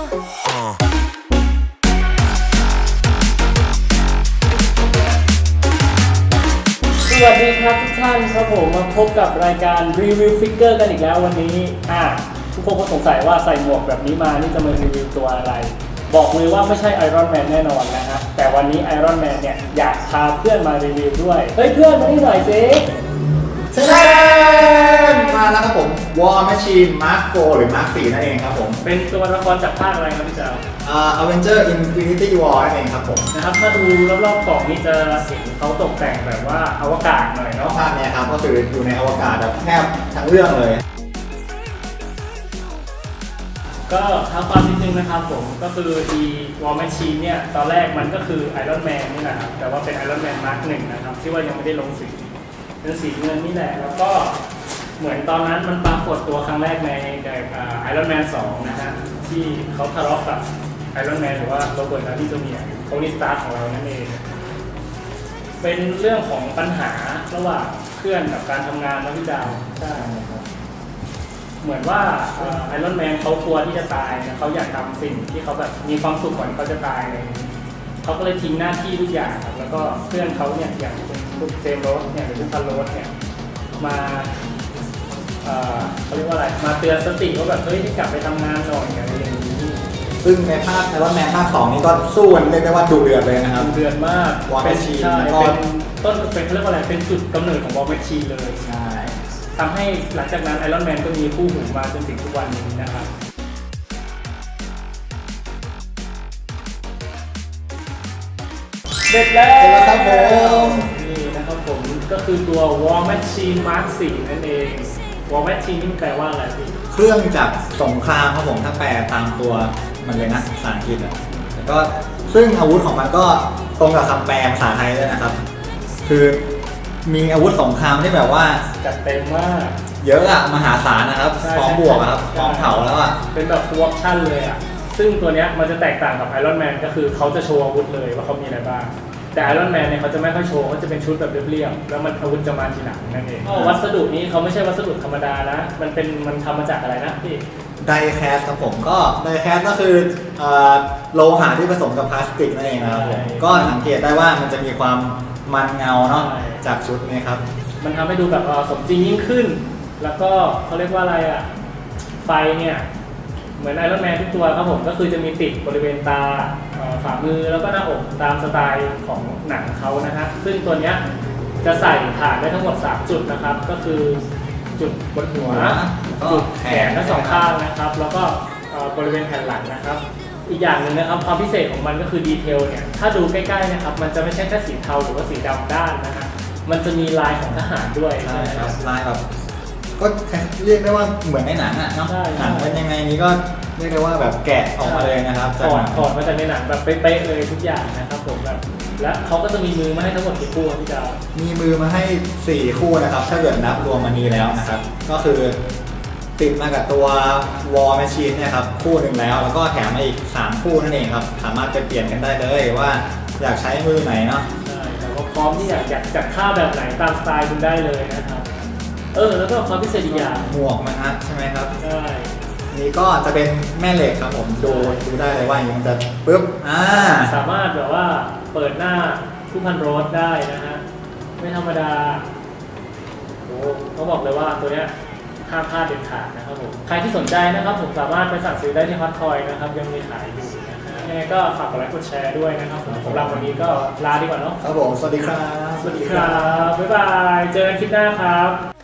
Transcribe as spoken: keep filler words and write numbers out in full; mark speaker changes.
Speaker 1: สวัสดีครับทุกท่านครับผมมาพบกับรายการรีวิวฟิกเกอร์กันอีกแล้ววันนี้อ่ะทุกคนก็สงสัยว่าใส่หมวกแบบนี้มานี่จะมารีวิวตัวอะไรบอกเลยว่าไม่ใช่ไอรอนแมนแน่นอนนะฮะแต่วันนี้ไอรอนแมนเนี่ยอยากพาเพื่อนมารีวิวด้วยเฮ้ยเพื่อนมานี่หน่อยสิ
Speaker 2: เชิญมาแล้วครับผม War Machine Mark โฟร์ หรือ Mark โฟร์ นั่นเองครับผม
Speaker 1: เป็นตัวละครจากภาคอะไรครับพี่เจ้า
Speaker 2: อ่า Avenger Infinity War นั่นเองครับผม
Speaker 1: นะครับถ้าดูรอบๆกล่องนี้จะเห็นเขาตกแต่งแบบว่าอวกาศหน่อยเนาะ
Speaker 2: ภาคนี้ครับก็คืออยู่ในอวกาศแบบแทบทั้งเรื่องเลย
Speaker 1: ก็ท้าความนิดนึงนะครับผมก็คือดี War Machine เนี่ยตอนแรกมันก็คือไอรอนแมนนี่แหละครับแต่ว่าเป็นไอรอนแมนมาร์คหนึ่งนะครับที่ว่ายังไม่ได้ลงสีเป็นสีเงินนี่แหละแล้วก็เหมือนตอนนั้นมันปรากฏตัวครั้งแรกในไอรอนแมนสองนะฮะที่เขาทะเลาะกับไอรอนแมนหรือว่าโรเบิร์ต ดาวนี่จูเนียร์โทนี่สตาร์ของเรานั่นเองเป็นเรื่องของปัญหาระหว่างเพื่อนกับการทำงานนะพี่ดาวใช่ครับเหมือนว่าไอรอนแมนเขากลัวที่จะตายนะเขาอยากทำสิ่งที่เขาแบบมีความสุขก่อนเขาจะตายเลยเขาก็เลยทิ้งหน้าที่ทุกอย่างครับแล้วก็เพื่อนเขาเนี่ยอย่างเป็นคุณเจมส์โรสเนี่ยหรือคุณพันโรสเนี่ยมาเขาเรียกว่าอะไรมาเตือนสติเขาแบบเฮ้ยให้กลับไปทำงานหน่อยอะไรอย่างนี้
Speaker 2: ซึ่งในภาคไอรอนแมนภาคสองนี้ก็สู้กันเรียกได้ว่าดุเดือดเลยนะครับ
Speaker 1: ดุเดือดมาก
Speaker 2: วอร์แมชชีน
Speaker 1: เป็นต้นเป็นเขาเรียกว่าอะไรเป็นจุดกำเนิดของวอร์แมชชีนเลย
Speaker 2: ใช่
Speaker 1: ทำให้หลังจากนั้นไอรอนแมนก็มีคู่หูมาจนถึงทุกวันนี้นะครับเสร็จแล้ว
Speaker 2: ครับผม
Speaker 1: นี่นะครับผมก็คือตัว War Machine Mark โฟร์ นั่นเอง War Machine นี่แปลว่าอะไรพี่
Speaker 2: เครื่องจักรสงครามครับผมถ้าแปลตามตัวมันเลยนะภาษาอังกฤษอ่ะแล้วก็ซึ่งอาวุธของมันก็ตรงกับคำแปลภาษาไทยด้วยนะครับคือมีอาวุธสงครามที่แบบว่า
Speaker 1: จัดเต็มมาก
Speaker 2: เยอะอะมหาศาลนะครับพร้อมบวกครับพร้อมเผาแล้วอะ
Speaker 1: เป็นแบบฟูลออปชั่นเลยอะซึ่งตัวเนี้ยมันจะแตกต่างกับไอรอนแมนก็คือเขาจะโชว์อาวุธเลยว่าเขามีอะไรบ้างแต่ไอรอนแมนเนี่ยเขาจะไม่ค่อยโชว์เขาจะเป็นชุดแบบเรียบๆแล้วมันอาวุธจะมาทีหลังนั่นเองวัสดุนี้เขาไม่ใช่วัสดุธรรมดานะมันเป็นมันทำมาจากอะไรนะพี่
Speaker 2: ไดแคสครับผมก็ไดแคสก็คือโลหะที่ผสมกับพลาสติกนั่นเองนะครับก็สังเกตได้ว่ามันจะมีความมันเงาเนาะจากชุดนี้ครับ
Speaker 1: มันทำให้ดูแบบสมจริงยิ่งขึ้นแล้วก็เขาเรียกว่าอะไรอ่ะไฟเนี่ยเหมือนไอรอนแมนทุกตัวครับผมก็คือจะมีติดบริเวณตาฝ่ามือแล้วก็หน้าอกตามสไตล์ของหนังเขานะฮะซึ่งตัวเนี้ยจะใส่ฐานได้ทั้งหมดสามจุดนะครับก็คือจุดบนหัวจุดแขนทั้งสองข้างนะครับแล้วก็บริเวณแผ่นหลังนะครับอีกอย่างหนึ่งนะครับความพิเศษของมันก็คือดีเทลเนี่ยถ้าดูใกล้ๆนะครับมันจะไม่ใช่แค่สีเทาหรือว่าสีดำด้านนะฮะมันจะมีลายของทหารด้วย
Speaker 2: ใช่ครับลายแบบก็เรียกได้ว่าเหมือนในหนังอ่ะเนาะหนังเป็นยังไงนี้ก็เรียกได้ว่าแบบแกะออกมาเลยนะครับ
Speaker 1: ถอดถอดมาจากในหนังแบบเป๊ะๆเลยทุกอย่างนะครับผมแบบและเขาก็จะมีมือมาให้ทั้งหมดกี่คู่พี่ดาว
Speaker 2: มีมือมาให้สี่คู่นะครับถ้าเกิดนับรวมมันนี้แล้วนะครับก็คือติดมากับตัว War Machine เนี่ยครับคู่หนึ่งแล้วแล้วก็แถมมาอีกสามคู่นั่นเองครับสามารถจะเปลี่ยนกันได้เลยว่าอยากใช้มือไหนเนาะ
Speaker 1: ใช่แล้วก็พร้อมที่อยากอยากจัดท่าแบบไหนตามสไตล์คุณได้เลยนะครับเออแล้วก็ความพิเศษอีกอย่าง
Speaker 2: หมวกมันฮะใช่ไหมครับ
Speaker 1: ใช่
Speaker 2: นี่ก็จะเป็นแม่เหล็กครับผมดูดูได้เลยว่ามันจะปึ๊บอ่า
Speaker 1: สามารถแบบว่าเปิดหน้าผู้พันโรสได้นะฮะไม่ธรรมดาโอ้เขาบอกเลยว่าตัวเนี้ยห้ามพลาดเด็ดขาดนะครับผมใครที่สนใจนะครับผมสามารถไปสั่งซื้อได้ที่ฮอตคอยนะครับยังมีขายอยู่นะฮะยังไงก็ฝากกดไลค์กดแชร์ด้วยนะครับผมสำหรับวันนี้ก็ลาดีกว่าเนาะ
Speaker 2: ครับผมสวัสดีครับ
Speaker 1: สวัสดีครับบ๊ายบายเจอกันคลิปหน้าครับ